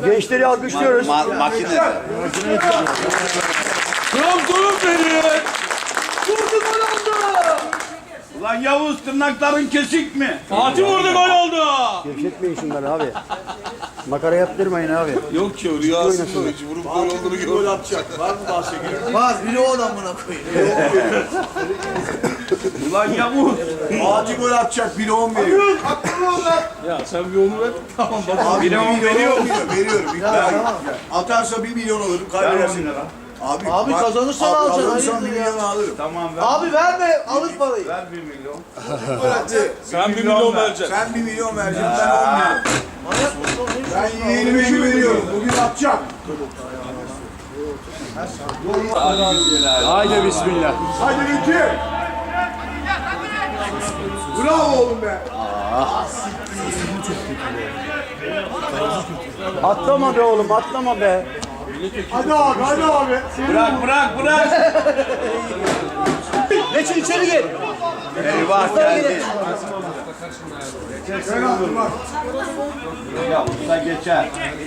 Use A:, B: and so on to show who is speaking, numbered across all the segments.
A: Gençleri alkışlıyoruz.
B: Makine.
C: Trabzon'um benim. Vurdu gol oldu.
B: Ulan Yavuz tırnakların kesik mi?
C: Fatih vurdu gol oldu.
A: Gevşetmeyin şunları abi. Makara yaptırmayın abi.
B: Yok ki rüyasında vurup gol olduğunu gördüm. Gol atacak.
D: Var mı bahsediyor? Var. Biri o adamına koyayım.
B: Ulan Yavuz.
D: Acil gol atacak. Biri 10 veriyor.
C: Ya sen bir onu ver. Tamam bak.
D: Abi
B: Biri 10 veriyor mu?
D: Veriyorum. Atarsa 1 milyon alırım. Kaybedersin. Abi kazanırsan alacaksın. Kazanırsan 1 milyon alırım.
B: Tamam ver.
D: Abi verme. Alır parayı.
B: Ver 1 milyon.
C: Sen 1 milyon vereceksin.
D: Sen 1 milyon vereceksin. Ben 10 milyon. Ben yeğenime güveniyorum. Bugün atacak.
A: Haydi bismillah.
D: Haydi Lütfi. Bravo oğlum be.
A: Atlama be oğlum, atlama be.
D: Hadi abi, hadi abi.
B: Bırak.
A: Geçin içeri gir.
B: Eyvah geldi.
D: Gel abi bak.
B: Ya usta geçer.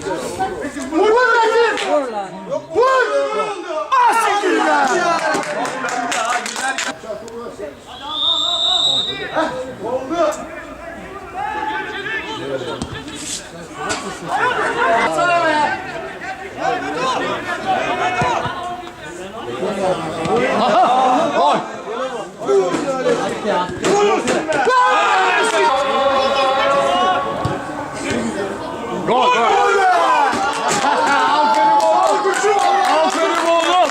C: Aferin oğlum.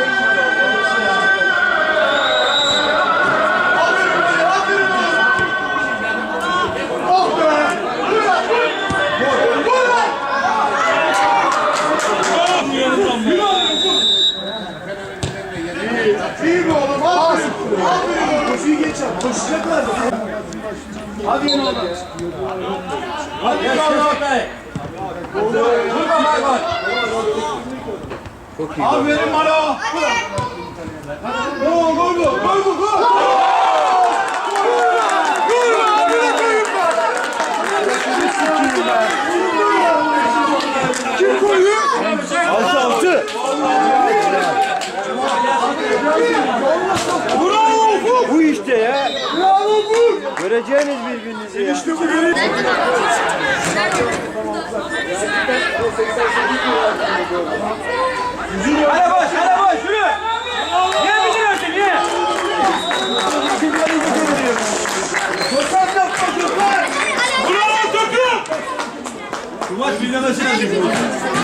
D: İyi mi oğlum? Aferin. Aferin. Koşuyu geç yap. Koşacaklar.
B: Hadi oğlum.
C: Hadi oğlum be.
B: Aferin Maro.
D: Gol. Kim koyuyor?
A: 6-6.
D: Bravo.
A: Bu işte ya.
D: Bravo bu.
A: Göreceğiniz birbirinizi ya.
D: İşte bu benim.
C: Hadi boş yürü. Niye bitiriyorsun niye?
D: Gökhan yapma Gökhan.
C: Bravo takım. Bu maç bir yana